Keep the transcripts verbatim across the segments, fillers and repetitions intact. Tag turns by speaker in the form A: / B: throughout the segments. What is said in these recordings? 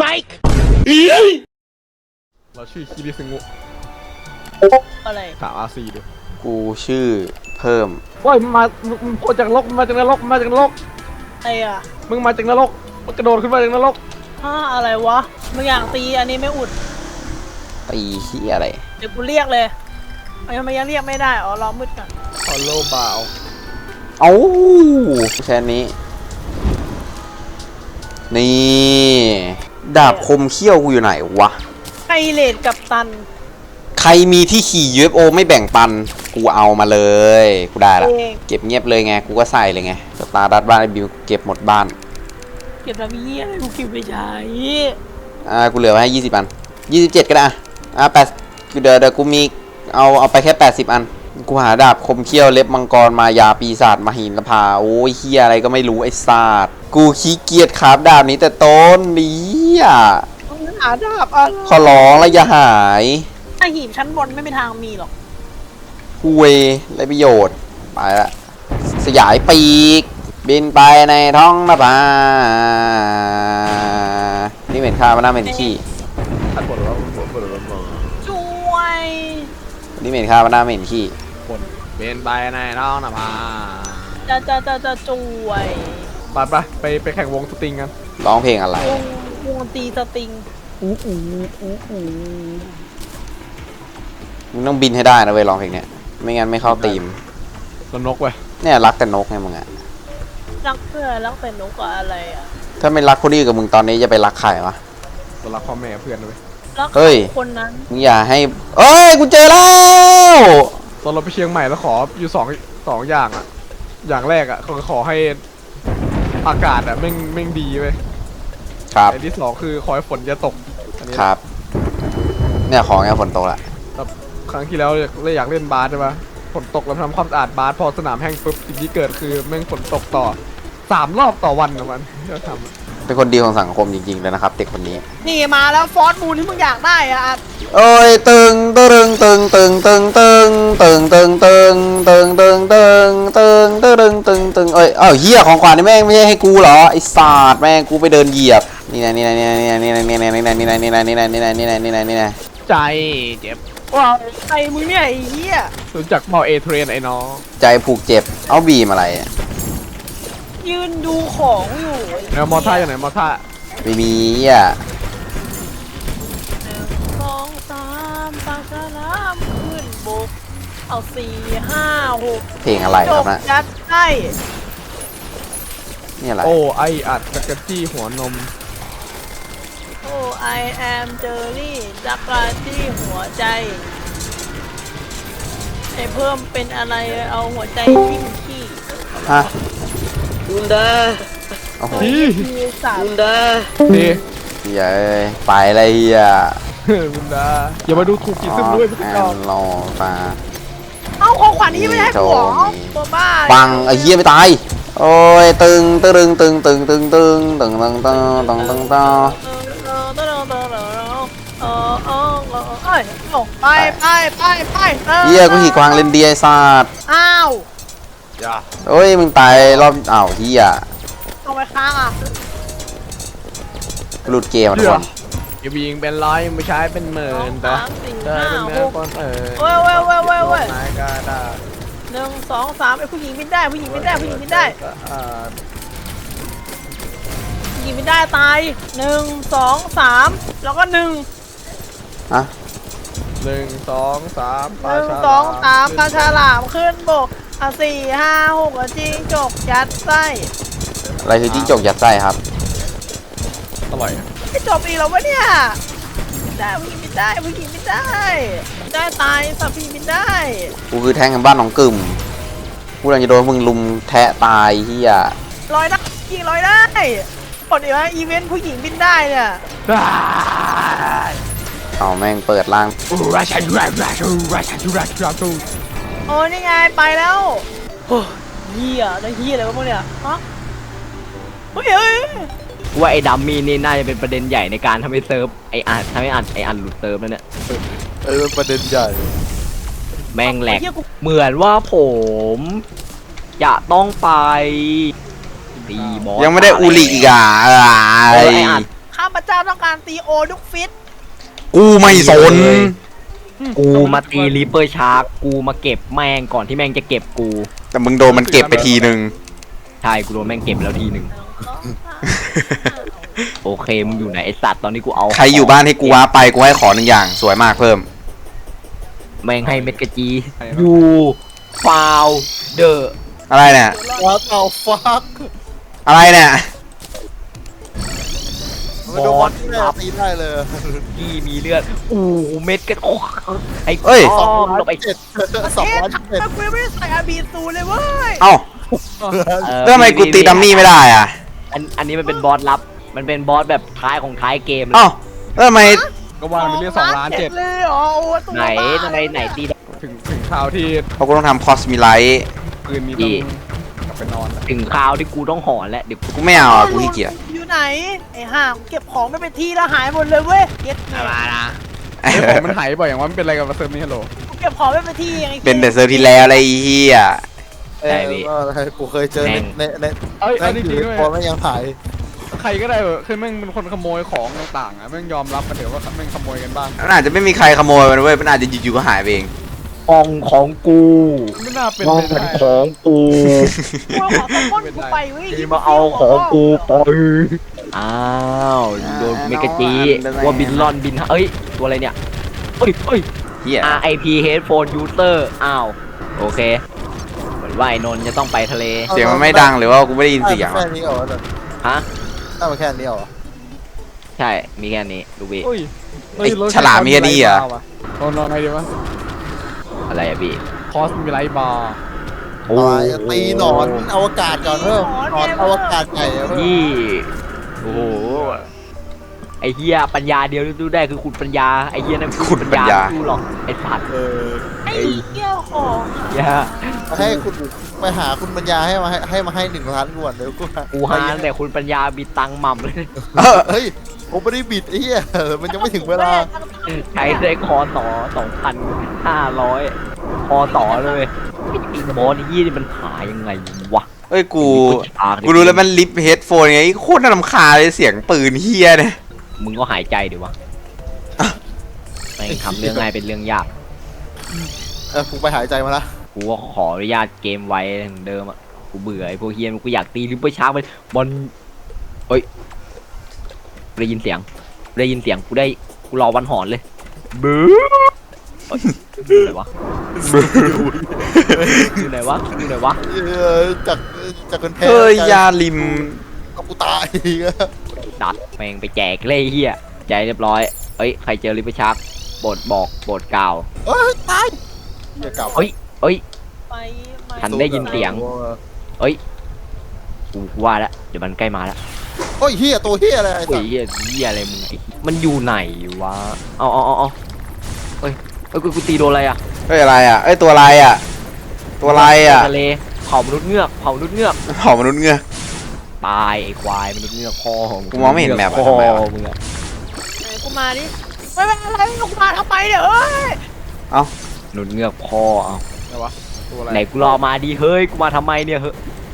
A: Mike
B: เราชื่อคิริซึงุ
A: อะไร
B: ถามอาซีดู
C: กูชื่อเพิ่ม
B: ว้ยมามึงโผล่จากนรกมาจากนรกมาจากนรก
A: ไอ้อะ
B: มึงมาจากนรกมึงกระโดดขึ้นมาจากนรก
A: ฮ่าอะไรวะมึงอยากตีอันนี้ไม่อุด
C: ตีขี้อะไร
A: เดี๋ยวกูเรียกเลยทำไมยังเรียกไม่ได้อ๋อรอมืดก่อน
B: ฮอลโลบาว
C: เอ้าแค่นี้นี่ดาบคมเขี้ยวกูอยู่ไหนวะ
A: ไคเลดกับตัน
C: ใครมีที่ขี่ ยู เอฟ โอ ไม่แบ่งปันกูเอามาเลยกูได้ละเก็บเงียบเลยไงกูก็ใส่เลยไงสตาร์ดัตบ้านไอ้บิวเก็บหมดบ้าน
A: เก็บแล้วมีอะไรกูเก็บไม่ใช่
C: อ่ากูเหลือไว้ให้ยี่สิบอันยี่สิบเจ็ดก็ได้อ่ะแปดเดี๋ยวเดี๋ยวกูมีเอาเอาไปแค่แปดสิบอันกูหาดาบคมเขี้ยวเล็บมังกรมายาปีศาจมหินละพาโอ้ยเฮียอะไรก็ไม่รู้ไอ้ศาสตร์กูขี้เกียจคราฟดาบนี้แต่ต้นนี้อ่ะ
A: หาดาบอะไร
C: ขอร้องแล้วอย่าหาย
A: ถ้าหีบชั้นบนไม่มีทางมีหรอก
C: คุยไรประโยชน์ไปละสยายปีกบินไปในท้องนภานี่เหม็นข้าวมันน่าเหม็นขี้
B: อันบนแล้วบนบนบนบน
A: ช่วย
C: นี่เหม็นข้าวมันน่าเหม็นขี้
B: บนบินไปในท้องนภา
A: จะจะจะจะช่วย
B: ไปไปไปไปแข่งวงสตริงกัน
C: ร้องเพลงอะไร
A: วงวงตีสตริง
B: อู้อู้อู้อู้
C: มึงต้องบินให้ได้นะเว้ยร้องเพลงเนี้ยไม่งั้นไม่เข้าธีม
B: แล้วนกเว้ย
C: เนี่ยรักแต่นกไงมึงอะ
A: รักเพื่อนรักแต่นกอะไรอะ
C: ถ้าไม่รักคนอื่นกับมึงตอนนี้จะไปรักใครวะ
B: รักพ่อแม่เพื่อนเลย
A: รักคนนั้น
C: มึงอย่าให้เอ้ยกูเจอแล้ว
B: ตอนเราไปเชียงใหม่แล้วขออยู่สองสองอย่างอะอย่างแรกอะเขาขอให้อากาศอะแม่งแม่งดีเว้ย
C: ครับ
B: อันที่สองคือขอให้ฝนจะตก
C: ครับเนี่ยของเนี่ยฝนตกละ
B: ครั้งที่แล้วเลยอยากเล่นบาสใช่ปะฝนตกแล้วทำความสะอาดบาสพอสนามแห้งปุ๊บสิ่งที่เกิดคือแม่งฝนตกต่อสามรอบต่อวันนะมันจะทำ
C: เป็นคนดีของสังคมจริงๆเลยนะครับเด็กคนนี้
A: นี่มาแล้วฟอสมูนที่มึงอยากได้อ่ะ
C: โอ้ยตึงตึงตึงตึงตึงตึงตึงตึงตึงตึงตึงตึงตึงตึงตึงตึงเอ้ยอ้าวเหี้ยของขวัญนี่แม่งไม่ใช่ให้กูเหรอไอ้ศาสตร์แม่งกูไปเดินเหยียบนี่นะนี่นะนี่นะนี่นะนี่นะนี่นะนี่นะนี่นะนี่นะนี่นะนี่นะนี่นะนี่นะ
B: ใจเจ็บ
A: ว้าวไอ้มึงเนี่ยไอ้เหี้ย
B: รู้จักเมาเอเทรนไอ้น้อง
C: ใจผูกเจ็บเอาบีมอะไร
A: ยืนดูของอยู่
B: แล้วมอท่าอย่างไหนมอท่า
C: ไม่มีอ่ะ
A: สองสามปากฉลามขึ้นบกเอาสี่ห้าหก
C: เพลงอะไรครับนะ
A: ยัดให้
C: นี่อะไร
B: โอ้ไออัดจักรจี้หัวนม
A: โอ้ I am เจอรี่จักรจี้หัวใจไอเพิ่มเป็นอะไรเอาหัวใจจิ้มขี้
C: ฮะ
D: ดุนดา
C: โอ้โห
D: ดุนดา
B: ดี
C: เย้ไปอะไรเฮีย
B: ดุนดาอย่ามาดูถูกกี่ซึมด้วยพี่น้อง
C: รอมา
A: เอาของขวัญนี้ไม่ได้หัวตัวบ้า
C: บังไอ้เฮียไม่ตายโอ้ยตึงตึงตึงตึงตึงตึงตึงตึงตึงตึงตึงตึง
A: ไปไปไปไป
C: เฮียกูขี่กวางเลนเดียศาสตร์
A: อ้าว
C: โอ้ยมึงตายรอบอ้าวเฮีย
A: เอาไปค้างอ่ะ
C: หลุดเกมทุกคน
B: อย่ายิงเป็นร้อยไม่ใช้เป็นหมื่นแต่แต่เป็นเมื่อก่อนเออ
A: เว้ยเว้ยเว้ยเว้ยเว้ย
B: นายก็ได้
A: หนึ่งสองสามไอ้ผู้หญิงบินได้ผู้หญิงบินได้ผู้หญิงบินได้ผู้หญิงบินได้ตายหนึ่งสองสามแล้วก็หนึ่ง
C: อะ
B: หนึ่งสองสาม
A: หนึ่งสองสามปลาฉลามขึ้นบกอ่ะสี่ห้าหกจิ้งจกยัดไส้
C: อะไรคือจิ้งจกยัดไส้ครับ
B: อร่อย
A: ไม่จบอีกแล้ววะเนี่ยได้ผู้หญิงบินได้ผู้หญิงบินได้ได้ตายสับผู้หญิงบินได้
C: กูคือแทงกันบ้านหนองกึ่มกูกำลังจะโดนมึงลุมแทะตายเฮีย
A: ลอยได้ยิงลอยได้กดอีกแล้วอีเวนต์ผู้หญิงบินได้เนี่ย
C: เอาแม่งเปิดล่าง
A: โอ้นี่ไงไปแล้วโอ้เฮียได้เฮียอะไรวะพวกเนี่ยฮะเฮ้ยเฮ้ย
D: ว่าไอ้ดัมมี่นี่น่าจะเป็นประเด็นใหญ่ในการทำให้เซิร์ฟไออันทำให้อันไออันหลุดเซิร์ฟนั่นเนี่ย
B: เออประเด็นใหญ่
D: แม่งแหลกเหมือนว่าผมจะต้องไปตีบอส
C: ยังไม่ได้อูริอีกอ่ะ
D: ไอ้อัน
A: ข้ามไประเจ้าต้องการตีโอทุกฟิต
C: กูไม่สน
D: กูมาตีรีเปอร์ชาร์กกูมาเก็บแม่งก่อนที่แม่งจะเก็บกู
C: แต่มึงโดนมันเก็บไปทีนึง
D: ใช่กูโดนแม่งเก็บแล้วทีหนึ่งโอเคมึงอยู่ไหนไอสัตว์ตอนนี้กูเอา
C: ใครอยู่บ้านให้กูว้าไปกูให้ขอหนึ่งอย่างสวยมากเพิ่ม
D: แม่งให้เม็ดกระจียูฟาวเดอร์
C: อะไรเนี่ย
E: What the fuck
C: อะไรเนี่ย
E: ไม่ดูบอลแม่ตีได้เลย
D: ที่มีเลือดอู้เม็ดกระโอ้ไอ้
C: เอ้ย
D: อ้อมลงไป
E: เจ็ดสอง
A: เอ๊ะ
E: ร้อย
A: ทำไม
E: เจ็ด
A: กูยังไม่ได้ใส่อาบีซูเลยเว้ย
C: เอ้า
D: เออ
C: แล้วทำไมกูตีดัมมี่ไม่ได้อ่ะ
D: อันอันนี้มันเป็นบอสลับ มันเป็นบอสแบบท้ายของท้ายเกมเลย
C: เอ้าแล้วทำไม
B: ก็ว่ามันเรียกสองล้านเจ็ด
A: เลยเหรอโอ้ตัว
D: ไหน
A: บ้า
D: ทำไมไหนตีได้
B: ถึงถึงคราวที่
C: เพราะกูต้องทำคอสมิไลท์
B: ปืนมี
D: ดี
B: ต้องกลับไปนอนแล้ว
D: ถึงคราวที่กูต้องหอนแล้วเดี๋ยวกู
C: กูไม่เอาอ่ะกูขี้เกียจ
A: อยู่ไหนไอ้ห่าเก็บของไม่เป็นที่แล้วหายหมดเลยเว้ยเก็บไง
D: มานะ
B: ไอ้ผมมันหายบ่อยอย่างว่ามันเป็นอะไรกับเซิร์ฟนี่ฮัลโหล
A: กูเก็บของไม่เป็นที่ไง
C: เป็นแต่เซอร์ที่แล้วอะไรไอ้เฮีย
E: เออกูเคยเจอในในใน
B: เอ้ย
E: ใน
B: เอาจ
E: ถื
B: ริง
E: อ
B: ๆด้วย
E: พอไม่ยังถ่าย
B: ใครก็ได้เออคือแม่งเป็นคนขโมยของต่างๆอ่ะแม่งยอมรับมาเถอะว่าแม่งขโมยกันบ้าง
C: มันอาจจะไม่มีใครขโมยมันเว้ยมันอาจจะอยู่ๆก็หายไปเอง
D: ห้องของกู
B: ไม่น่าเป็น
D: ห้อง
B: ไปได้
D: ของกู
A: กูเอาของต้นก้นกูไปเว้ย
D: ที่มาเอาของกูไปอ้าวโดนเมกาจีว่าบินลอนบินเอ้ยตัวอะไรเนี่ยเอ้ยเอ้ย
C: เฮีย
D: อาร์ ไอ พี Headphone User อ้าวโอเคเหมือนว่าไอ้นนท์จะต้องไปทะเล
C: เสียงมันไม่ดังหรือว่ากูไม่ได้ยินเสียง
E: แค่นี้เหรอ
D: ฮะ
E: ถ้ามันแค่นี้เหรอ
D: ใช่ มีแค่นี้ดูวิ
B: โอ้ย
C: ไอ้ฉลามมีแค่นี้เหรอ
B: นอนนอนไงดีวะ
D: อะไรอะพี่
B: คอสมีไลท์บาร์
D: โอ้
E: ตีหนอนอวกาศก่อนเพิ่มหนอนอวกาศใหญ่เพิ่ม
D: ยี่โอ้โห ไอเฮียปัญญาเดียวที่ดูได้คือคุณปัญญา ไอเฮียนั่น
C: คุณปัญญา
D: ไม่ดูหรอก ไอสัตว์
E: เออ
A: ไอ้เกี้ยวของ
D: เหี้ย
E: ให้คุณไปหาคุณปัญญาให้มาให้ให้มาให้หนึ่งล้านก่อนเดี๋ยวกู
D: กูฮานแต่คุณปัญญาบิดตังค์หม่ำเลย
C: เออ
E: เฮ้ยผมไม่ได้บิดไอ้เหี้ยมันยังไม่ถึงเวลา
D: ใช้ได้คอต่อสองพันห้าร้อยคอต่อเลยไอ้บอสยี่นี่มันหายังไงวะ
C: เอ้ยกู
D: ฉาก
C: กูรู้แล้วมันลิฟเฮดโฟนไงโคตรน่ารำคาญเลยเสียงปืนเฮียเนี่ย
D: มึงก็หายใจดิวะแม่งทำเรื่องง่ายเป็นเรื่องยาก
E: เออกูไปหายใจมาละ
D: กูก็ขออนุญาตเกมไว้เหมือนเดิมอ่ะ กูเบื่อไอ้พวกเฮียนกูอยากตีลิปเปอร์ชาร์กไปบอลเฮ้ยได้ยินเสียงได้ยินเสียงกูได้กูรอวันหอนเลยบื้อเฮ้ยอยู่ไหนวะอยู่ไหนวะอยู่ไหนวะ
E: เออจากจากคนแพ้
C: เฮ้ยยาลิม
E: เอากูตายอีกอะ
D: ดัดแม่งไปแจกเลยเฮียใจเรียบร้อยเอ้ยใครเจอลิปเปอร์ชาร์กโปรดบอกโปรดกล่าว
E: เอ้ยตายอย่ากลับ
D: เอ้ยเอ้ย
A: ไปมา
D: ฉันได้ยินเสียง กูว่าแล้วเดี๋ยวมันใกล้มาแล้ว
E: โอ้ยเฮียตัวเฮียอะไรไอ้
D: โอ้
E: สั
D: ย
E: ส
D: เฮียเฮียอะไรมึงไอ้มันอยู่ไหนวะเอาเอาเอาเอาเอ้ยเอ้ยกูกูตีโดนอะไรอ่ะ
C: เฮ้ยอะไรอ่ะเอ้ยตัวอะไรอ่ะ ตัวอะไรอ่ะ
D: ทะเลเผามนุษย์เงือกเผามนุษย์เงือก
C: เผ่ามนุษย์เงือก
D: ตายไอ้ควายมนุษย์เงือกพ่อของ
C: กูมองไม่เห็นแมปอะ
D: พ่อ
C: ทำไมวะ
D: มึงอะ
A: ไหนกูมาดิไม่เป็นอะไรกูมาทำไมเนี่ยเอ้ย
D: มนุษย์เงือกพ่อเอา
B: อะไรวะตัวอะไร
D: ไหนกูรอมาดีเฮ้ยกูมาทำไมเนี่ยเฮ้ย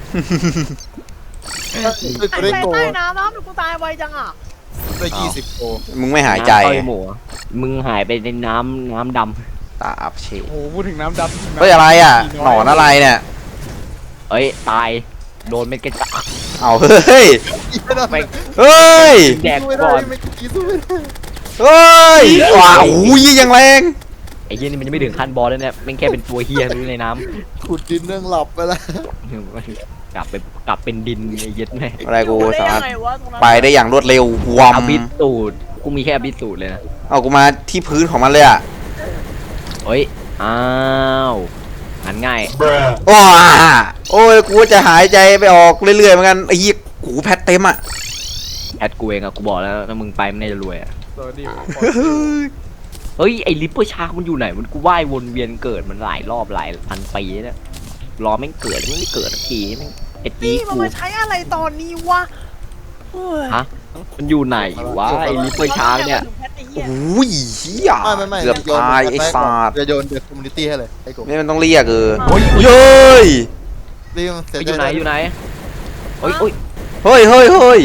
E: เฮ้ย
A: ใส่
E: กู
A: ใจ
E: ได้โก
A: ใต้น้ำน้ำกูตายไวจังอ่ะ
E: ได้ยี่สิบโก
C: มึงไม่หายใจ
D: น้ำต้อยหมูอะมึงหายไปในน้ำน้ำด
C: ตาอับเช
B: โอ้โหพูดถึงน้ำดำ
C: เฮ้ยอะไรอ่ะหนอนอะไรเนี่ย
D: ำเอ้ยตายโดนเม็ดกระจา
C: เอาเฮ้ย
D: ไป
C: เฮ้ย
D: แดก
E: สู้ไม่
D: ก่
E: ได้
D: อน
E: ไม่กี้สู้ไม่ได้
C: เฮ้ยว้าวอุ้ยยังแรง
D: ไอ้เฮียนี่มันยังไม่ถึงขั้นบอลเลยเนี่ยแม่งแค่เป็นตัวเฮียรู้ในน้ำ
E: ขุดดินเรื่องหลับไปแล้ว
D: กลับไปกลับเป็นดินไอ้เหี้ย็ดแม่
C: อะไรกู
A: ได้
C: สา
A: ยั
C: มารถ
A: งไงวะตรงนั้น
C: ไปได้อย่างรวดเร็ววอม
D: อบิสูตรกูมีแค่อบิสูตรเลยนะ
C: เอากูมาที่พื้นของมันเลยอ่ะ
D: เฮ้ยอ้าวงั้นง่าย
C: ว้าโอ้ยกูจะหายใจไปออกเรื่อยๆเหมือนกันไอ้ยี่กูแพทเต็มอ่ะ
D: แอดกูเองอะกูบอกแล้วถ้ามึงไปมันน่าจะรวยอะ
B: สวัสดี
D: เฮ้ยไอ้ลิปเปอร์ชาร์กมันอยู่ไหนมันกูว่ายวนเวียนเกิดมันหลายรอบหลายพันปีแล้วเนี่ยรอแม่งเกิดแม่งไม่เกิดสักทีแม่งไอ้จี
A: นี่มัน
D: กู
A: มาใช้อะไรตอนนี้วะเฮ้ย
D: ฮะมันอยู่ไหนวะไอ้ลิปเปอร์ชาร์กเนี่ย
C: โอ้ยเฮีย
E: ไม่ไม่ไม่
C: เกือบตายไอ้ศาสตร์
E: จะโยนเดือดคอมมูนิตี้ให้เลยไอ้กู
C: นี่มันต้องเรียกเออ
D: เฮ้ย
C: เย้ย
E: เรียกเสร็จ
D: อยู่ไหนอยู่ไหนเฮ้ยเฮ้ย
C: เฮ้ยเฮ้ยเฮ้ย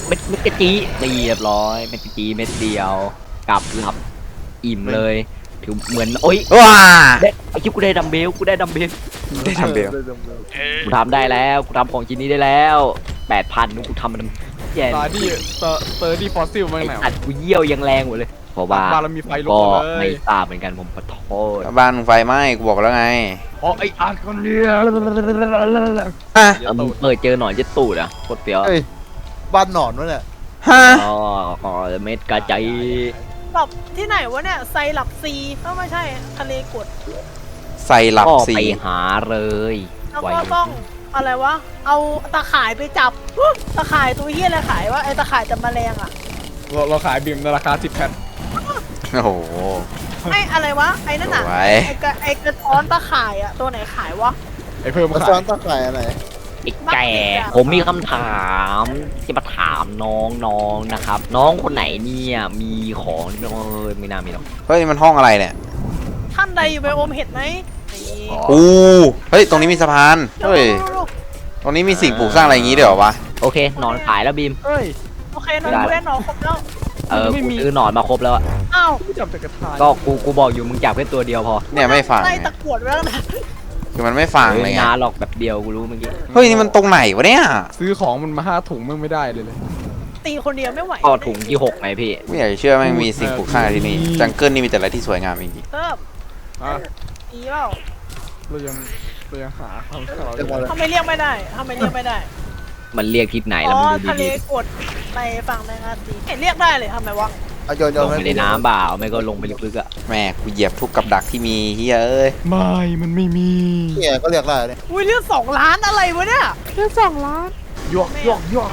D: เม็ดเม็ดกะจีเรียบร้อยเม็ดกะจีเม็ดเดียวกลับหลับอิ่มเลยถือเหมือนโอ๊ย
C: ว้า
D: ได้ไอ้คิวกูได้ดัมเบลกูได้ดัมเบล
C: ได้ทำเบล
D: กูทำได้แล้วกูทำของชิ้นนี้ได้แล้วแปดพันกูทำมันแย่
B: ตาดีเตอร์เตอร์ดีฟอสซิลมา
D: ไอ้
B: ไหน
D: สัตว์กูเยี่ยวยังแรงหมดเลยเพราะว่า
B: บ้านเรามีไฟลุก
D: ก็
B: มาเล
D: ไม่
B: ย
D: ทราบเหมือนกันผมขอโทษ
C: บ้านมึงไฟไหม้กูบอกแล้วไง
B: อ๋อไออาร์ตคนเดียว
C: ฮะ
D: เออมึงเปิดเจอหนอนเจ็ดตูดอ่ะโคตรเปรี้ยว
E: เฮ้ยบ้านหนอนวะเนี่ย
C: ฮะ
D: อ๋ออ๋อเม็ดกระจาย
A: แบบที่ไหนวะเนี่ยไซรัปซีก็ไม่ใช่ทะเลกด
C: ใส่หลับ
D: ก็
C: สี
D: ไปหาเลย
A: แล้ว
D: ไว้
A: ก็ต้องอะไรวะ เอาตะข่ายไปจับอุ๊ยตะข่ายตัวเฮียอะไรขายวะไอตะข่ายจับแมลงอะ
B: เราเราขายบิมในราคาสิบแผ่น
C: โอ้โห
A: ไออะไรวะไอนั่นอะ
C: ไว้
A: ไอกระไอกระท้อนตะข่ายอะตัวไหนขายวะ
B: ไอเพิ่ม
E: มา
B: ขา
E: ซ้อย นตะไคร่อะไร
D: ไอ้แก่ผมมีคำถามจะมาถามน้องๆนะครับ น้องคนไหนเนี่ยมีของเออไม่น่ามีหรอก
C: เฮ้ยนี่มันห้องอะไรเนี่ย
A: ท่านใดอยู่ไปอมเห็ดไหมนี่
C: อู้เฮ้ยตรงนี้มีสะพานเฮ้ย
A: ลูก
C: ตรงนี้มีสิ่งปลูกสร้างอะไรอย่างงี้ด้วยเหรอวะ
D: โอเคหนอนขายแล้วบีม
B: เฮ้ย
A: ๆโอเคหนอนกูได้หนอนครบแล้ว
D: เออ
B: ไม่
D: กู
B: มี
D: ซื้อหนอนมาครบแล้วอะ
A: อ้าว
B: ไม่จับแต่กระทาย
D: ก็กูกูบอกอยู่มึงจับแค่ตัวเดียวพอ
C: เนี่ยไม่ฟัง
A: ไล่
C: ไง
A: ตะกรวดไว้แล้วนะ
C: คือมันไม่ฟังเลยไง
D: งานหรอกแบบเดียวกูรู้เมื่อกี้
C: เฮ้ยนี่มันตรงไหนวะเนี่ย
B: ซื้อของมันมาห้าถุงมึงไม่ได้เลยเลย
A: ตีคนเดียวไม่ไหว
D: ก็ถุงที่หกไงพี่
C: ไม่อยากจะเชื่อแม่งมีสิ่งปลูกสร้างที่นี่จังเกิลนี่มีแต่อะไรที่สวยงามจริง
A: เพิ่ม
B: อ่ะ
A: ตีเปล่า
B: เรายังเรายังหาคำเรา
E: เรียกว่าอะไร
A: ทำไมเรียกไม่ได้ทำไมเรียกไม่ได้
D: มันเรียกทิศไหน
A: อ๋
D: แล้ว
A: อ
D: มึงดู
A: ทะเล
D: ดี
A: กดไปฝั่งแมงอาตีเห็นเรียกได้เลยทำไมวะ
E: เอาโยน
D: ๆ
E: โย
D: ล
E: น
D: งไปในน้ำเปล่าไม่ก็ลงไปลึกๆอะ
C: ๆแม่กูเหยียบทุกกับดักที่มีเฮ้ยเอ้ย
B: ไม่มันไม่มี
E: เนี่ยก็เรียกได้เนี่ย
A: อุ้ยเรียกสองล้านอะไรวะเนี่ยเรียกสองล้าน
B: หยวกหยวกหยวก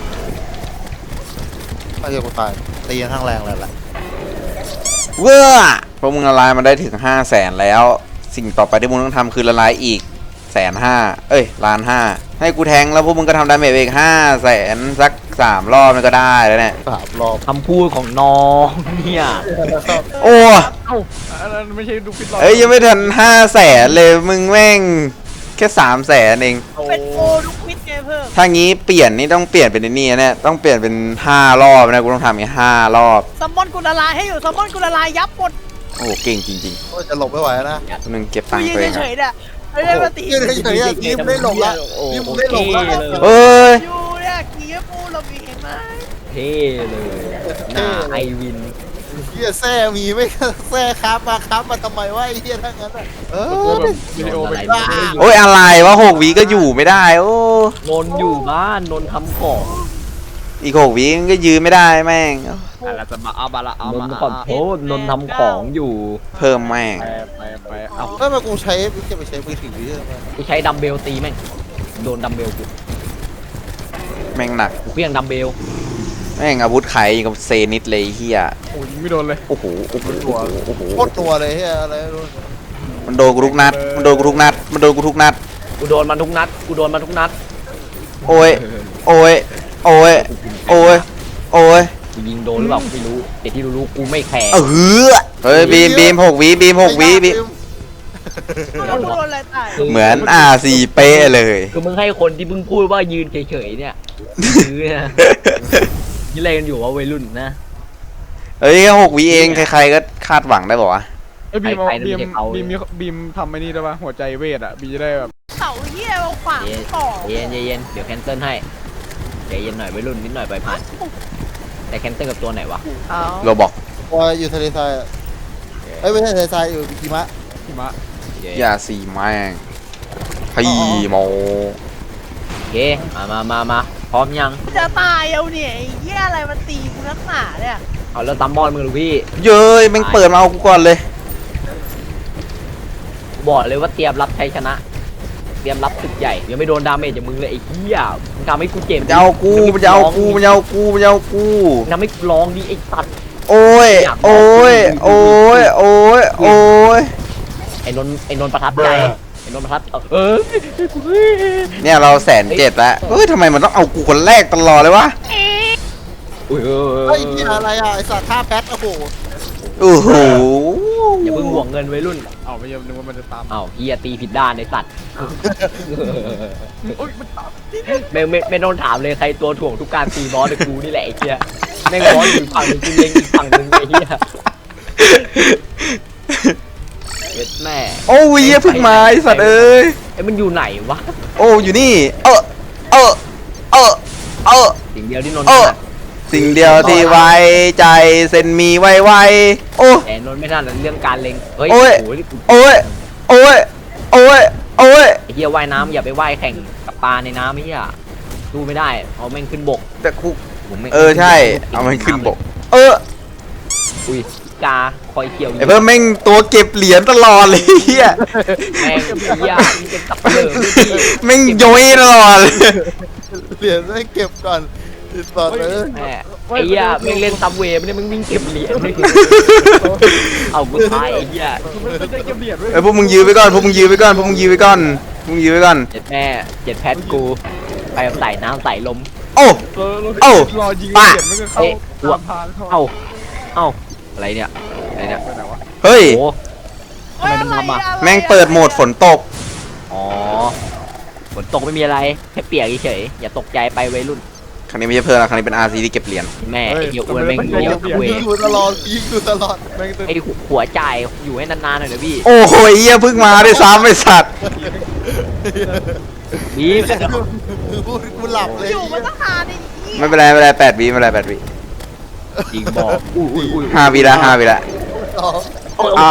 E: ถ้าเรียกกูตายตีกันทั้งแรงเลยแหละ
C: เว้อพวกมึงละลายมาได้ถึงห้าแสนแล้ว สิ่งต่อไปที่มึงต้องทำคือละลายอีกแสนห้าเอ้ยล้านห้าให้กูแทงแล้วพวกมึงก็ทำดาเมจไปอีกห้าแสนสักสามรอบมันก็ได้แล้วเนี่ย
E: สามรอบ
D: คำพูดของน้องเนี่ย
C: โอ้
B: อันนั้นไม่ใช่ดูฟิตหรอก
C: เอ้ยยังไม่ทันห้าแสนเลยมึงแม่งแค่สามแสนเอง
A: เป็นโอลูกวิทย์ไงเพิ่ม
C: ถ้างี้เปลี่ยนนี่ต้องเปลี่ยนเป็นไอ้นี่นะเนี่ยต้องเปลี่ยนเป็นห้ารอบนะกูต้องทำอย่างนี้ห้ารอบ
A: ซัมมอนกูละลายให้อยู่ซัมมอนกูละลายยับหมด
C: โอ้เก่งจริง
E: โอ้ยจะหลบไม่ไหวนะ
C: ๆนึงเก็บ
A: กู
C: ตังค์
A: ยืน
C: ตัวเอง
A: เฉ
C: อะ
A: ยๆเนี่ยไม่ได้มาตี
E: ยืนเฉยๆอ่ะทีมได้หลบละทีมได้หลบละ
C: เอ้ย
A: อยู่เนี่ยกีฟูเรามีเห็นไหม
D: เท่เลยหน้าไอวิน
E: เฮียแซ่มีไหม่แซ่ครับมาครับมาทำไมวะไอ้เฮียทั้งนั้นอ่ะเอ
B: ตัว
E: อ
B: แบบวิดีโอไป
D: อะไรเนี่ย
C: โอ้ยอะไรวะหกวิก็อยู่ไม่ได้โอ้
D: นนอยู่บ้านนนทำของ
C: อีกหกวิมันก็ยืนไม่ได้แม่ง
B: อะไรจะมาเอาบาละเอา
D: น
B: มาน
D: ขอโทษนนทำของอยู่
C: เพิ่มแม่ง
B: ไปไปไปเอา
E: เอ้ยมากูใช้จะไปใช้มือถือเยอะมาก
D: กูใช้ดัมเบลตีแม่งโดนดัมเบลกู
C: แม่งหนัก
D: กูเพี้ยงดัมเบล
C: แม่งอาวุธไขกับเซนิสเลยเฮีย
B: โอ้ยยิงไม่โดนเลย
C: โอ้โหโอ้โหโอ้โหโอ้โห
E: โคตรตัวเลยเฮียอะไรไม่รู้
C: มันโดนกูทุกนัดมันโดนกูทุกนัดมันโดนกูทุกนัด
D: กูโดนมันทุกนัดกูโดนมันทุกนัด
C: โอ้ยโอ้ยโอ้ยโอ้ยโอ้ย
D: กูยิงโดนหรือเปล่ากูไม่รู้แต่ที่รู้ๆกูไม่แคร์
C: เออเฮ้ยบีมบีมหกวิบีมหกวิบีม
A: แล้วกูโดนอะไรตาย
C: เหมือนอาซีเป๊ะเลย
D: คือมึงให้คนที่เพิ่งพูดว่ายืนเฉยๆเนี่ยยืนนะยืนอะไรกันอยู่วะวัยรุ่นนะ
C: เอ้ยหกวิเองใครๆก็คาดหวังได้บอกว่า
B: ไอ้ยบีมเอา
D: ใครๆ
B: บีม
D: ไม่ใช่เขา
B: บีมมีบีมทำไอ้นี่ได้ปะหัวใจเวทอ่ะบีจะได้แบบ
A: เสาเหี้ยมาขวางต่อ
D: เย็นเย็นเดี๋ยวแคนเซิลให้ใจเย็นหน่อยวัยรุ่นนิดหน่อยไปผ่านแต่แคนเซิลกับตัวไหนวะ
A: เอา
C: โรบอก
E: ตัวอยู่ทะเลทรายอะเอ้ยไม่ใช่ทะเลทรายอยู่หิมะ
B: หิมะ
C: อย่าสีแม่งพี่โม
D: โอเคมามามามาพร้อมยัง
A: จะตายเอาเนี่ยไอ้เหี้ยอะไรมันตีกูนักหนาเนี่ย
D: เอาแล้วตัมบอลมึงหรือพี่
C: เย้ยแม่งเปิดมาเอากูก่อนเลย
D: บอกเลยว่าเตรียมรับชัยชนะ เตรียมรับศึกใหญ่ยังไม่โดนดาเมจจากมึงเลยไอ้เหี้ยมึงทำให้กูเจ็บ
C: มันจะเอากูมันจะเอากูมันจะเอากูมันจะเอากู
D: มึงทำให้กูร้องดิไอ้สัตว์
C: โอ้ยโอ้ยโอ้ยโอ้ยโอ้ย
D: ไอ้นนท์ไอ้นนท์ประทับใจไอ้นนท์ประทับเออ
C: เนี่ยเราแสนเจ็ดแล้วเฮ้ยทำไมมันต้องเอากูคนแรกตลอดเลยวะ
D: อุ้ยเออ
E: ไอ้เฮียอะไรอ่ะไอ้สัตว์ท่าแป๊ดโอ้โห
C: โอ้โห
D: อย่าเพิ่งห่วงเงินไว้รุ่น
B: เอาไม่ยอมนึกว่ามันจะตาม
D: เอ้าเฮียตีผิดด้านในสัตว์
B: โอ้ยมันตาม
D: ไม่ไม่ไม่ต้องถามเลยใครตัวถ่วงทุกการตีบอสแต่กูนี่แหละไอ้เฮียแม่งบอสอยู่ฝั่งหนึงกูเล็งอีกฝั่งหนึงไอ้เฮียเอ็ดแม่
C: โอ้ยเหี้ยเพิ่งมาไอ้สัตว์เอ้ย
D: ไอ้มันอยู่ไหนวะ
C: โอ้อยู่นี่ เออเออเออเออ
D: สิ่งเดียวที่นนท์
C: เอ
D: ถ
C: อ
D: นัด
C: สิ่งเดียวที่ไว้ใจเส้นมีไวไวโอ้
D: แต่นนท์ไม่ถนัดเรื่องการเล็งเฮ้ย
C: โอ้ย
D: โอ้ย
C: โอ้ยโอ้ยโอ้ยโอ้ย
D: ไอ้เฮียว่ายน้ำอย่าไปว่ายแข่งกับปลาในน้ำไอ้เฮียสู้ไม่ได้เอาแม่งขึ้นบก
C: แต่กู
D: ผมไม่
C: เออใช่เอามันขึ้นบกเออ
D: อุ้ยกาคอยเกี่ยว
C: ไอ้เพิ่มแม่งตัวเก็บเหรียญตลอดเลยเฮีย
D: แม่งเฮียนี่เป็นตับเปลือกด้วยพี่
C: แม่งโยยตลอดเลย
E: เหรียญไม่เก็บก่อนติดต่อเลย
D: แม่ไอ้เหี้ยแม่งเล่นซับเวย์ไม่ได้มึงวิ่งเก็บเหรียญเอากูตายไอ้เหี้ย
B: มันจะเก็บเหรียญไว้
C: ไอ้พวกมึงยื้อไปก่อนพวกมึงยื้อไปก่อนพวกมึงยื้อไปก่อนพวกมึงยื้อไปก่อน
D: เจ็ดแม่เจ็ดแพทกูไปใส่น้ำใส่ลม
C: โอ้
B: เออ
C: เอ้า
B: รอยิง
C: ป่ะ
B: เหรียญมันก็เข้า
D: เอ๊ะ
B: ตามทางเข้า
D: เอ้าเอ้าอะไรเนี่ยอะไรเนี่ย
B: ไปไหนวะ
C: เฮ้ย
D: โอ้ทำไมมันทำอ่ะ
C: แม่งเปิดโหมดฝนตก
D: อ๋อฝนตกไม่มีอะไรแค่เปียกเฉยๆอย่าตกใจไปวัยรุ่น
C: ครั้งนี้ไม่ใช่เพิ่มแล้วครั้งนี้เป็น อาร์ ซี ที่เก็บเหรียญ
D: แม่ไอ้เหี้ยอ้วนแม่งเลี้ยวซับเว
E: ยิง
D: ย์
E: อยู่ตลอดยิงอยู่ตลอด
B: แม่งตึ้ง
D: ไอ้หัวจ่ายอยู่ให้นานๆหน่อยนะพี่
C: โอ้โหเหี้ยเพิ่งมาด้วยซ้ำไอ้สัตว์
D: บีม
E: คือพูดกูหลับเลย
A: อยู่มันต้องหาในนี้
C: ไม่เป็นไรไม่เป็นไรแปดวิไม่เป็นไรแปดวิ
D: จริงบอกอุ้ยอุ้ยอุ้ย
C: ห้าวิละห้าวิละ
E: อ๋อ
C: อ้าว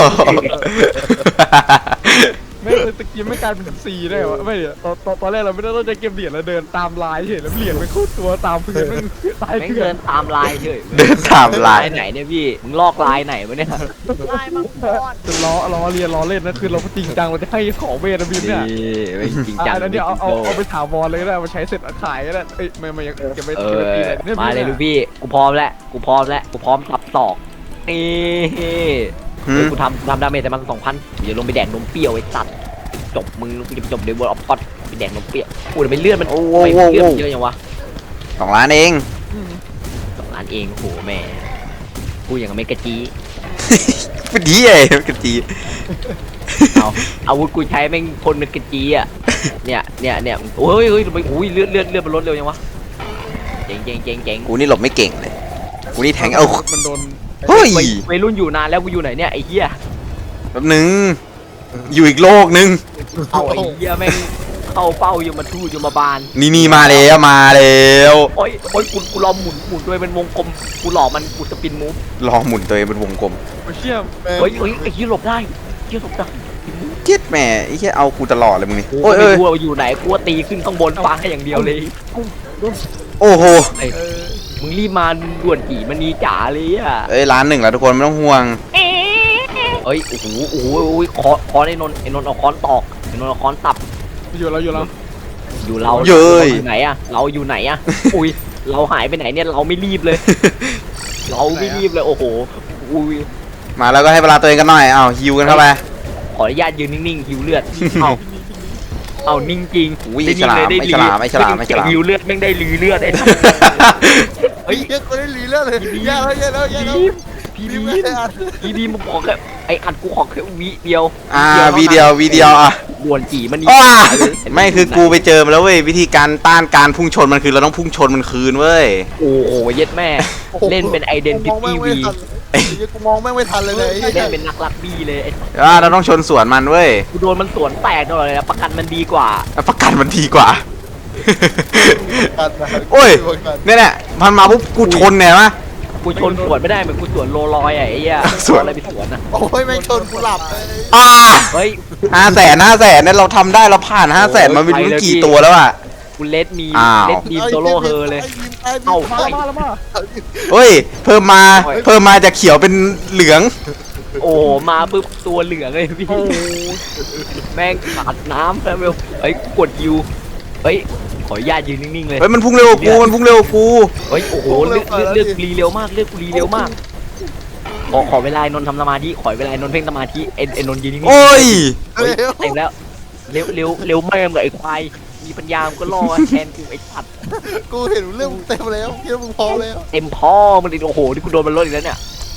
B: แม่งเลยตะกี้ไม่กลายเป็นซีได้เหรอไม่เดี๋ยวตอนตอนตอนแรกเราไม่ได้ต้องจะเก็บเหรียญเราเดินตามลายเฉยแล้วเหรียญมันคู่ตัวตามพื้นแม่งตาย
D: แม่ง
C: Dạ.
B: เกลื
D: เดิ
B: อน
D: นตามลายเฉย
C: เดินตามลาย
D: ไหนเนี่ยพี่มึงลอกลายไหนวะเนี่ย
A: ลายมังกร
B: จะล้อล้อเรียนล้อเล่นนะคือเราจริงจังเราจะให้ของเวทนะบีมเนี่ย
D: ไม่จริงจัง
B: อ่ะอันนี้เอาเอาเอาไปถาวรเลยก็ได้เอามาใช้เสร็จเอาขายก็ได้เอ้ยไม่ไม่ยังเก็บไป
D: เอ
B: เก็บ
D: อ
B: ไปปีไหนนี่
D: มาเลยลูกพี่กูพร้อมแล้วกูพร้อมแล้วกูพร้อมสับศอกนี่
C: หืม
D: กูทำกูทำดาเมจแต่มันสองพันอย่าลงไปแดกนมเปรี้ยวไอ้สัตว์จบมึงกูจะจบเดวอลออฟพอดไปแดกนมเปรี้ยวกูจะไปเลื่อนมัน
C: โอ้โห
D: ไป
C: โอ้โห
D: เลื่อนมันเยอะยังวะ
C: สองล้านเอง
D: สองล้านเองโอ้โหแม่กูอย่างกับไม่กระจี
C: เป็นดีไอ้กระจี
D: เอาอาวุธกูใช้แม่งคนเป็นกระจีอ่ะเนี่ยเนี่ยเนี่ยโอ้ยเฮ้ยทำไมอุ้ยเลื่อนเลื่อนเลื่อนมันลดเร็วยังวะเจ๋งเจ๋งเจ๋งเจ๋ง
C: กูนี่หลบไม่เก่งเลยกูนี่แทงเอา
B: มันโดน
C: เฮ้ย
D: วัยวัยรุ่นอยู่นานแล้วกูอยู่ไหนเนี่ยไอ้เหี้ย
C: แป๊บนึงอยู่อีกโลกนึง
D: เอาไอ้เหี้ยแม่งเข้าเป้าอยู่มาทู่อยู่มาบาน
C: นี่นี่มาแล้วมาแล้ว
D: โอ้ยโอ้ยกูกูรอหมุนหมุนด้วยเป็นวงกลมกูหลอกมันกูสปินมูฟ
C: รอหมุนตัวเองเป็นวงกลม
B: โอ้เชี่ย
D: เฮ้ยเฮ้ยไอ้เหี้ยหลบได้เหี้ยหลบได้
C: เจ็ดแหม่ไอ้แค่เอากูตลอดเลยมึงนี่
D: โอ้
C: โอ้
D: ย
C: ย
D: ไม่
C: เอ้ย
D: รู้ว่าอยู่ไหนกูว่าตีขึ้นข้างบนฟ้าอย่างเดียวเลย
C: โอ้โห
D: ไอ้มึงรีบมาด่วนกี่มันนีจ๋าเลยอ่ะ
C: เอ้ยล้านหนึ่งแล้วทุกคนไม่ต้องห่วง
D: เอ้ยโอ้โหโอ้โหโอ้ยคอคอนไอ้นนท์ไอ้นนท์เอาคอนตอกไอ้นนท์เอาคอนตับ
B: อยู่เราอยู่เรา
D: อยู่เรา
C: เย้ย
D: อยู่ไหนอะเราอยู่ไหนอะอุ้ยเราหายไปไหนเนี่ยเราไม่รีบเลย เราไม่รีบเลยโอ้โหอุ้ย
C: มาแล้วก็ให้เวลาตัวเองกันหน่อยเอาฮิวกันเข้าไป
D: ขออนุญาตยืนนิ่งๆหิวเลือด เอาเอานิ่งจริง
C: อุ้ย
D: ได้
C: ฉลาม
D: ได้
C: ไม่ฉลามไม่ฉลามไม่ฉลาม
D: หิวเลือดแม่งได้ลือเลือดไอ้
E: เฮ้ยเยอะคนได้หลีแล้วเลยแย่แล้วแย่แล้วแย่แล้ว
D: พี่
E: บี
D: บี
E: ม
D: ม
E: ไม่ได้อ่าน
D: พี่บีมผมขอแค่ไอ้อัดกูขอแค่วิเดียว
C: อ่าวีเดียววีเดียวอ่ะ
D: ด่วนจีมันนี่
C: อ้าไม่คือกูไปเจอมาแล้วเว้ยวิธีการต้านการพุ่งชนมันคือเราต้องพุ่งชนมันคืนเว้ย
D: โอ้โหเย็ดแม่ เล่นเป็นไอเดนติ
E: มองแม่
D: ตี้
E: งไม่
D: วี
E: ทันไอ้เหี้ยกูมองแม่งไม่ทันเลยเลยไอ้
D: เล่
E: เหี้
D: น
E: ย
D: เป็นนักรักบี้เลยไอ้
C: อ่าเราต้องชนสวนมันเว้ย
D: กูโดนมันสวนแตกตลอดเลยนะประกันมันดีกว่า
C: ประกันมันดีกว่า
E: กันนะ
C: โอ้ย เนี่ยแหละมันมาปุ๊บกูชนเนี่ยมะ
D: กูชนสวนไม่ได้เหมือนกูสวนโลลอยอ่ะไอ้เหี้ย
C: สวน
D: เอาอะไรไปสวนอ่ะ
E: โอ้ยแม่งชนกูหลับเลย
C: อ่า
D: เฮ้ย
C: ห้าแสนห้าแสนเนี่ยเราทำได้เราผ่านห้าแสนมาไม่รู้กี่ตัวแล้วอ่ะ
D: กูเลดมี
C: อ้าว
D: เลดมีโซโล่เฮอเลย
E: ไอ้บีม
D: เอ้า
E: ไอ้บีม
B: มาแล้วมา
C: เฮ้ย เพิ่มมาเพิ่มมาจากเขียวเป็นเหลือง
D: โอ้โหมาปุ๊บตัวเหลืองเลยพี่แม่งขาดน้ำแล้วเวลเฮ้ยกดยูเฮ้ยขออนุญาตยืนนิ่งๆเลย
C: เฮ้ยมันพุ่งเร็วกว่ากูมันพุ่งเร็วกว่ากู
D: เฮ้ยโอ้โหเลือกเลือกเลือกรีเร็วมากเลือกกูรีเร็วมากขอขอเวลานนท์ทำสมาธิขอเวลานนท์เพ่งสมาธิเอ็นเอ็นนนท์ยืนนิ่งๆ
C: โอ้ย
D: เฮ้ยเต็มแล้วเร็วเร็วเร็วแม่งเลยไอ้ควายมีปัญญามันก็รอแทนกูไอ้สัตว์
E: กูเห็นเรื่องเต็มแล้วคิดว่ามึงพร้อมแล้ว
D: เต็มพ่อมันเลยโอ้โหนี่กูโดนมันลดอีกแล้วเนี่ย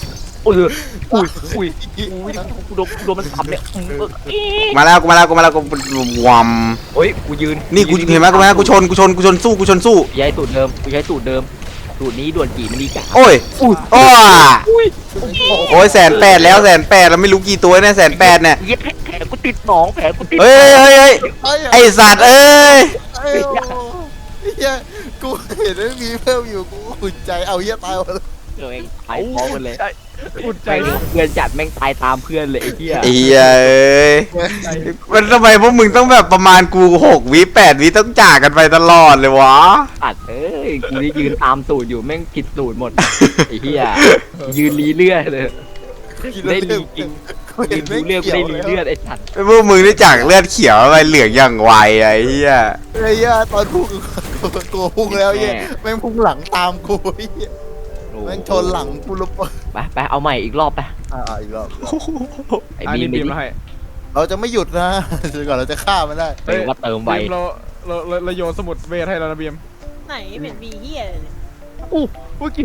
D: อุ้ยอุ้ยอุ้ยอุ้ยกูโดนกูโดนมันสับเนี่ยอืมเออเอ๊ะ
C: มาแล้วกูมาแล้วกูมาแล้วกูวอม
D: เฮ้ยกูยืน
C: นี่กูเห็นไหมกูไหมกูชนกูชนกูชนสู้กูชนสู้
D: กูใช้สูตรเดิมกูใช้สูตรเดิมสูตรนี้ด่วนจีมันดีจ้ะ
C: โอ้ยโอ้ย
D: อุ้ย
C: โอ้ยแสนแปดแล้วแสนแปดแล้วไม่รู้กี่ตัวเนี่ยแสนแปดเนี่ย
D: เย็ดแผลกูติดหนองแผลกูติด
C: เฮ้ยเฮ้ยเฮ้ย
E: ไอ้
C: ไอสัตว์เอ้ย
E: ไอ้เหี้ยกูเห็นว่ามีเพิ่มอยู่กูอุ่นใจเอาเหี้ยตายหมดเลย
D: เออเองตายพร้อมกันเลย
B: อุ่นใจ
D: แม่งเพื่อนจัดแม่งตายตามเพื่อนเลยไอ้เหี้ย
C: ไอ้เหี้ยเอ้ยมันทำไมพวกมึงต้องแบบประมาณกูหกวิแปดวิต้องจากกันไปตลอดเลยวะ
D: ตัดเอ้ยกูนี่ยืนตามสูตรอยู่แม่งผิดสูตรหมดไอ้เหี้ยยืนรีเลือดเลยได้รีจริง
E: กู
D: ยื
E: เห็น
D: น
E: ไม่
D: ดูเลือดกู
E: เกี่ยว
D: ได้รี
E: เลย
D: เลือดไอ้สัตว์
C: พวกมึงได้จากเลือดเขียวไปเหลืองอย่างไวไอ้เหี้ย
E: ไอ้เหี้ยตอนพุ่งกูกูพุ่งแล้วเหี้ยแม่งพุ่งหลังตามกูไอ้เหี้ยแม่งชนหลังกูลุกไป
D: ไปไปเอาใหม่อีกรอบไป
E: อ่าอีกรอบ
D: ไอ้
B: อัน
D: บี
B: นี้
D: ม
B: บี
D: ไป
B: ม
D: ดิ
B: มาให้
E: เราจะไม่หยุดนะจนกว่าเราจะฆ่ามันได้
D: เออว่าเติมไว
B: บีมเราเราเราเราโยนสมุดเวทให้แล้วนะบีม
A: ไหนเป็นบีเฮียเลยเนี่ย
B: อู้เมื่อกี้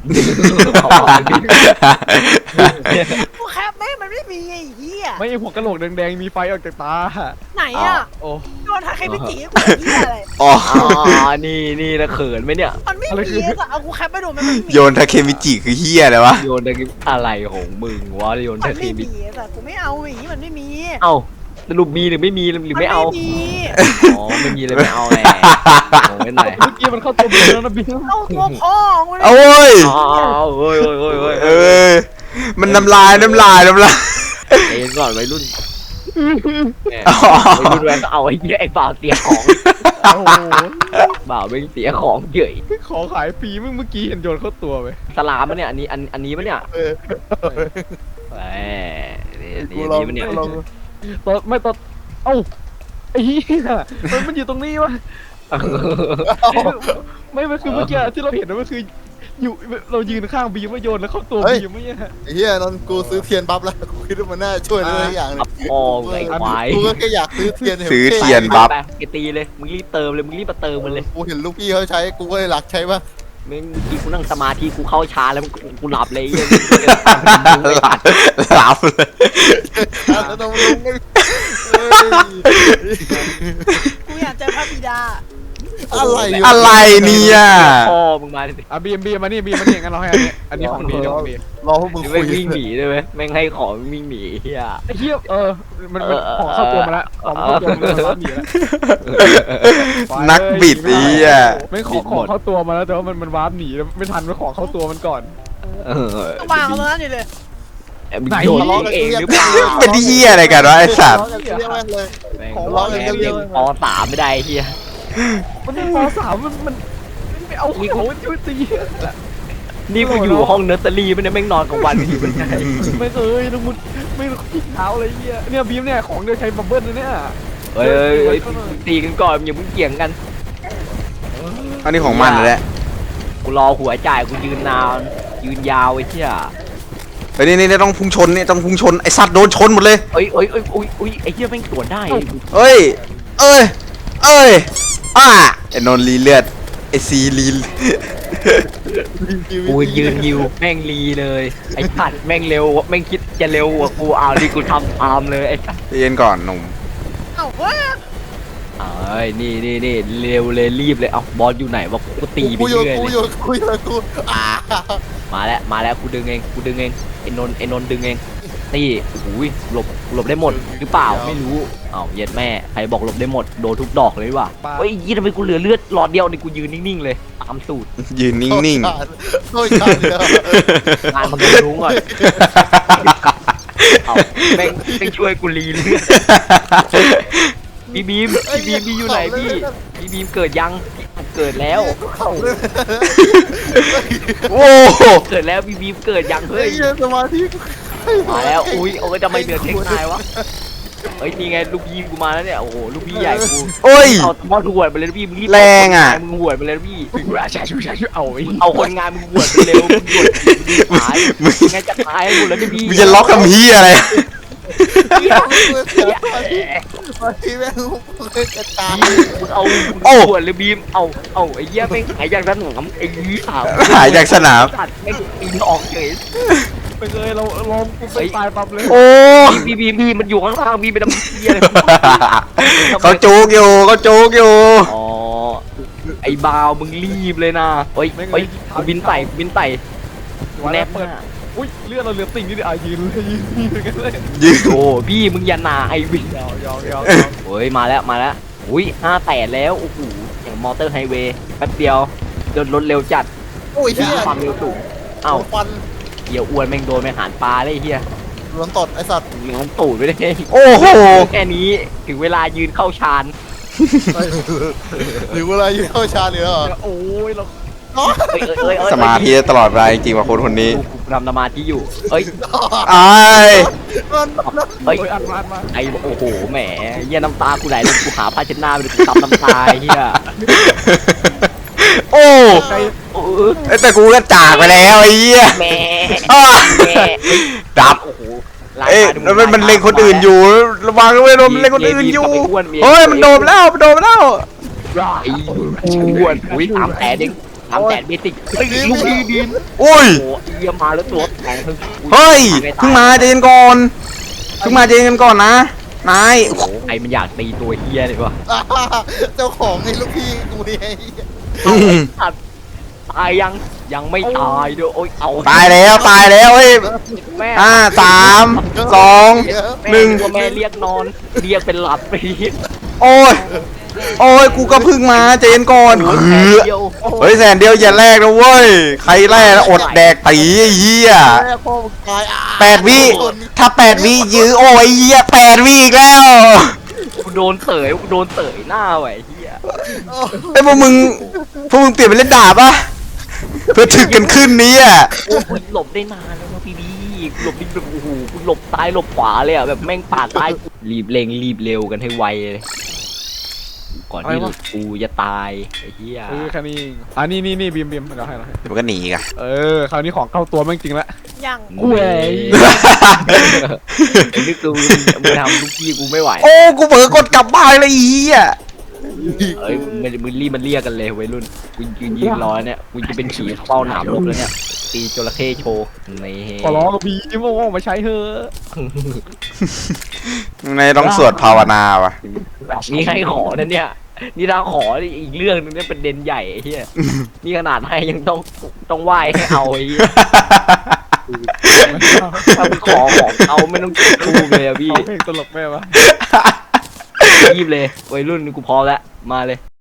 A: กูแคปแม่งมันไม่มีไอ้เฮีย
B: ไม่หัวกะโหลกแดงๆมีไฟออกจากตา
A: ไหนอ่ะ
B: โอ้
A: โดนทาเคมิจิกูไอ้เฮียอะไร
C: อ๋อ
D: อ๋อนี่นี่นะเขินไหมเนี่ย
A: มันไม่มีอะเอากูแคปไปดูมันไม่มี
C: โยนทาเคมิจิคือเหี้ยอะไรวะ
D: โยนตะกี้อะไรของมึงวะโยน
A: มั
D: ตะ
A: นไม่
D: กี้มิ
A: มีแต่กูไม่เอาหวีมันไม่มี
D: เอ้าสรุปมีหรือไม่มีหรือไม่เอา
A: นไม่มี
D: อ๋อไม่มีเลยไม่เอาแหละโอ้ไม่ไหน
B: เมื่อกี้มันเข้าตัวบีมแล้วนะบีม
A: เอาตัวพ่อกูเลย
C: โอ้ย
D: อ๋อเฮ้ยเฮ้ยเฮ้ยเฮ้ย
C: เอ้ยมันน้ำลายน้ำลายน้ำลาย
D: เอ็นก่อนวัยรุ่นแหม่
C: อ๋อ
D: วัยรุ่นแวนก็เอาไอ้เหี้ยไอ้บ่าวเสียของ
B: โอ้โห
D: บ่าวไม่เสียของเฉย
B: ขอขายฟรีมึงเมื่อกี้เห็นโยนเข้าตัวไป
D: สลามมันเนี่ยอันนี้อันอันนี้มันเนี่ย
E: เออ
D: แหมนี่อัน
E: กู
D: นี้
E: ลอง
D: มันเนี่ย
E: กูลอง
B: ตอนไม่ตอนเอ้าไอ้เหี้ยมันมันอยู่ตรงนี้วะไม่ไม่คือเมื่อกี้ที่เราเห็นนะมันคืออยู่เรายืนข้างบีมว่าโยนแล้วเข้าตัวบีมไม่ใช่
E: ไอ้เหี้ยนนกูซื้อเทียนปั๊บแล้วกูคิดว่ามันน่าช่วยได้หลายอย่างเลย
D: อับพองไอ้ควาย
E: กูก็แค่อยากซื้อเทียนห็น
C: ซื้อ
E: ท่
C: เทียนบัฟ
D: ไปไปตีเลยมึงรีบเติมเลยมึงรีบมาเติมมันเลย
E: กูเห็นลูกพี่เขาใช้กูก็เลยหลักใช้บ้าง
D: มึงที่กูนั่งสมาธิกูเข้าชาแล้วกูกูหลับเลยไอ้เหี้ย
C: หลับหลับเลย
E: แล้วต้องลุงไอ้เฮ้ย
A: กูอยากเจอพระบิดา
E: อะไรอยู่
C: อะไรเนี่ย
D: พ่อมึงมาดิ
B: อ่ะบีมบีมมานี่บีมมานี่งั้นเราให้อันนี้อันนี้ของดีเดี๋ยวของดี
E: รอพวกมึง
D: แม่
E: คุ
D: ง
E: ย
D: วิ่งหนีด้วยไหมแม่งให้ของวิ่งหนีเฮีย
B: ไอ้เหี้ยเออมันมันของเข้าตัวมาแล้วของเข้าตัวมาแล้วหนีแล้ว
C: นักบิดอีอ่ะ
B: ไม่ของของเข้าตัวมาแล้วแต่ว่ามันมันวาร์ปหนีแล้วไม่ทันมันของเข้าตัวมันก่อน
D: เออ
A: ก็วางเอาตรงนั้นอยู่เลย
D: มึงโดนเองหรือเปล่า
C: เป็นเหี้ยอะไรกันวะไอ้สัตว์
E: เรียกแม่งเลย
D: แม่ง
E: ของ
D: ร้
E: ร้
D: อ
E: อง ง
D: แม่
E: กัน
D: ง
E: เย
D: เรีย
E: อะ
D: กปสามไม่ได้เฮีย
B: มันเป็นมสามมันมันไม่เอาเขาช่วยตี
D: นี่กูอยู่ห้องเนอร์เซอรี่ไม่ได้แม่งนอนกลางวันอยู่เป็นไง
B: ไม่เคยน้องมุดไม่ขี้เท้าอะไรเงี้ยเนี่ยบีมเนี่ยของเดียวใช้บับเบิ้ลนะเนี่ย
D: เฮ้ยเฮ้ยเฮ้ยตีกันก่อนอย่าเพิ่งเกี่ยงกัน
C: อันนี้ของมันแหละ
D: กูรอหัวจ่ายกูยืนนานยืนยาวไอ้เชี่ย
C: เฮ้ยนี่นี่ต้องพุ่งชนนี่ต้องพุ่งชนไอ้สัตว์โดนชนหมดเลย
D: เอ้ยเอ้ยเอ้ยอุ้ยอุ้ยไอ้เชี่ยแม่งสวนได้
C: เอ้ย เอ้ย เอ้ย อ่าไอ้นนท์รีเลือด ไอ้ซีรี
D: กูยืนยิวแม่งรีเลยไอ้สัตว์แม่งเร็วแม่งคิดจะเร็วกว่ากูเอาดิกูทำตามเลยไอ้สัตว์
C: เย็นก่อนหนุ่ม
A: เอ้าเว้ย
D: เอ้ยนี่นี่นี่เร็วเลยรีบเลยเอาบอสอยู่ไหนวะกูตีไป
E: กูโยน
D: เรื่อย
E: กู
D: เลย
E: โยนกูโยนกูอ่า
D: มาแล้วมาแล้วกูดึงเองกูดึงเองไอ้นนท์ไอ้นนท์ดึงเองนี่อุ้ยหลบหลบได้หมดหรือเปล่าไม่รู้เอ้าเย็ดแม่ใครบอกหลบได้หมดโดนทุกดอกเลยว่ะเฮ้ยยี่ทำไมกูเหลือเลือดหลอดเดียวนี่กูยืนนิ่งๆเลยตามสูตร
C: ยืนนิ่ง
E: โอ้ยขาดเลย
D: งานมันรู้ก่อนเอาแม่งแม่งช่วยกูรีเลือดพี่บีมพี่บีมพี่อยู่ไหนพี่พี่บีมเกิดยังเกิดแล้ว
E: เข่าเลย
C: ๆ โอ้โห
D: เกิดแล้วพี่บีมเกิดยัง
E: เฮ้
D: เฮ้
E: ย
D: ย
E: สมาธิ
D: มาแล้วอุ้ยโอ้ยทำไมเหนือเทคนายวะเฮ้ยนี่ไงลูกพี่กูมาแล้วเนี่ยโอ้โหลูกพี่ใหญ่กู
C: โอ้ย
D: เอามอดหวดไปเลยนะพี่มึงรีบ
C: แรงอะ
D: มึงหวดไปเลยนะพี่
B: ใช่ใช่ใช่เอาไอ้
D: เอาคนงานมึงหวดไปเร็วมึงหวดมึงตาย
C: มึง
D: ไงจะตายหมดแล้วเนี่ยพี่
C: มึงจะล็อกทำเฮียอะไร
E: สมาธิแม่งเลยกระจาย
D: มึงเอา
C: โอ้
D: หวดเลยบีมเอาเอาไอ้เหี้ยแม่งหายจากสนามไอ้ยี่ขาว
C: หายจากสนาม
D: สัตว์แม่งปีนออกเฉย
B: ไปเลยเราลงกูไปตายปั๊บเลย
C: โอ้
D: พี่พี่พี่มันอยู่ข้างล่างพี่ไปทำเหี้ยอะไร
C: เขาจูกอยู่เขาจูกอยู่
D: อ๋อไอ้บาวมึงรีบเลยนะเฮ้ยเฮ้ยกูบินไต่กูบินไต่กูแนบ
B: เปิด
D: หน้า
B: อุ้ยเลือดเราเหลือติ่งนี่ดิอ่ะยืนเลยยืนยืนกันเลย
C: ยืน
D: โอ้พี่มึงอย่าหนาไอ้วิน
B: ยาวยาวยาว
D: เฮ้ยมาแล้วมาแล้วอุ้ยห้าแปดแล้วโอ้โหอย่างมอเตอร์ไฮเวย์แป๊บเดียวเดินรถเร็วจัด
E: โอ้ยเฮีย
D: ความเร็วสูงเอ้า
E: ฟัน
D: เหี้ยอ้วนแม่งโดนแม่งหารปลาเลยไอ้เฮีย
E: โดนตดไอ้สัตว์
D: มึงมันตูดไปได้ไง
C: โอ้โห
D: แค่นี้ถึงเวลายืนเข้าชาน
E: หรือเวลาอยู่เข้าชาหรือเหรอ
B: โอ้ยเรา
D: เอ้ยเอ้ยเอ้ยเอ้ย
C: สมาธิตลอดเวลาจริงๆว่าคนคนนี้
D: กูกูทำสมาธิอยู่เอ้ย
C: ไอ้าย
D: เฮ้ย
B: โอ้ยอัดมาอัดมา
D: ไอ้โอ้โหแหมเหี้ยน้ำตากูไหลเลยกูหาผ้าเช็ดหน้าไปเลยกูซับน้ำตาไอ้เหี้ย
C: โอ้
D: โอ้ย
C: เอ้ยแต่กูก็จากไปแล้วไอ้เหี้ย
D: แหม่
C: อ้า
D: แหม่
C: ดับ
D: โอ้โหลาย
C: เอ้ย
D: ตาดู
C: แล้วมันมันเล็งคนอื่นอยู่ระวังด้วยโดนมันเล็งคนอื่นอยู่เฮ้ยมันโดนแล้วมันโดนแล้ว
D: ไอ้อ้วนอุ้ยสามแสนเองสามแสนเบสิกเฮ้ยลูกดีดี
C: อุ้ย
D: โอ้โหเยี่ยมาแล้วตัวแข็งทั้ง
C: เฮ้ยเพิ่งมาเจนก่อนเพิ่งมาเจนกันก่อนนะนาย
D: โอ้โหไอ้มันอยากตีตัวเฮียเลยวะ
E: เจ้าของไอ้ลูกพี่กูนี่ไอ้เหี้ย
C: อืม
D: ตายยังยังไม่ตายด้วยโอ้ยเอา
C: ตายแล้วตายแล้วเฮ้ย
D: แม่
C: ห้าสามสองหนึ่ง
D: แม่เรียกนอนเรียกเป็นหลับไป
C: โอ้ยโอ้ยกูก็เพิ่งมาเจนก่อนเฮ้ย
D: เดียว
C: เฮ้ยแสนเดียวอย่าแลกนะเว้ยใครแลกแล้วอดแดกตีไอ้เหี้ย
E: แม่พ่อมึงตายอ่ะ
C: แปดวิถ้าแปดวิยื้อโอ้ยเหี้ยแปดวิอีกแล้ว
D: กูโดนเตยกูโดนเตยหน้าไว้เฮีย
C: ไอ้ยพวกมึงพวกมึงเปลี่ยนเป็นเล่นดาบปะเพื่อถึกกันขึ้นนี้อ่ะ
D: โอ้โหหลบได้นานแล้วนะพี่บีหลบนี่แบบโอ้โหกูหลบซ้ายหลบขวาเลยอ่ะแบบแม่งปาดซ้ายรีบเร่งรีบเร็วกันให้ไวเลยก่อนที่กูจะตายไอ้เหี้ย
B: เออแค่นี้เองอ่ะนี่นี่นี่บีมบีมเราให้เราให้
C: เดี๋ยวมันก็หนีกัน
B: เออคราวนี้ของเข้าตัวแม่งจริงละ
A: ยัง
D: กูเอ้ยนึกดูมึงทำลูกพี่กูไม่ไหว
C: โอ้กูเผลอกดกลับบ้านเลยอีอ่ะ
D: เอ้ยมันมึงรีบมันเรียกกันเลยวัยรุ่นกูยืนยิงรอเนี่ยกูจะเป็นขี่เฝ้าหนามรบแล้วเนี่ยตีจระเข้โชว์นี่
B: ขอร้องกับบีมโอ้มาใช้เถอะ
C: ในต้องสวดภาวนาว่ะ
D: นี่ให้ขอนะเนี่ยนี่ถ้าขออีกเรื่องนึงเนี่ยเป็นเด่นใหญ่ไอ้เหี้ยนี่ขนาดให้ยังต้องต้องไหว้ให้เอาไอ้เหี้ยถ้ามึงขอของเอาไม่ต้องจุดทูบเลยอะพี่
B: เอาเพลงตลกแม่ปะ
D: รีบเลยวัยรุ่นกูพอแล้วมาเลย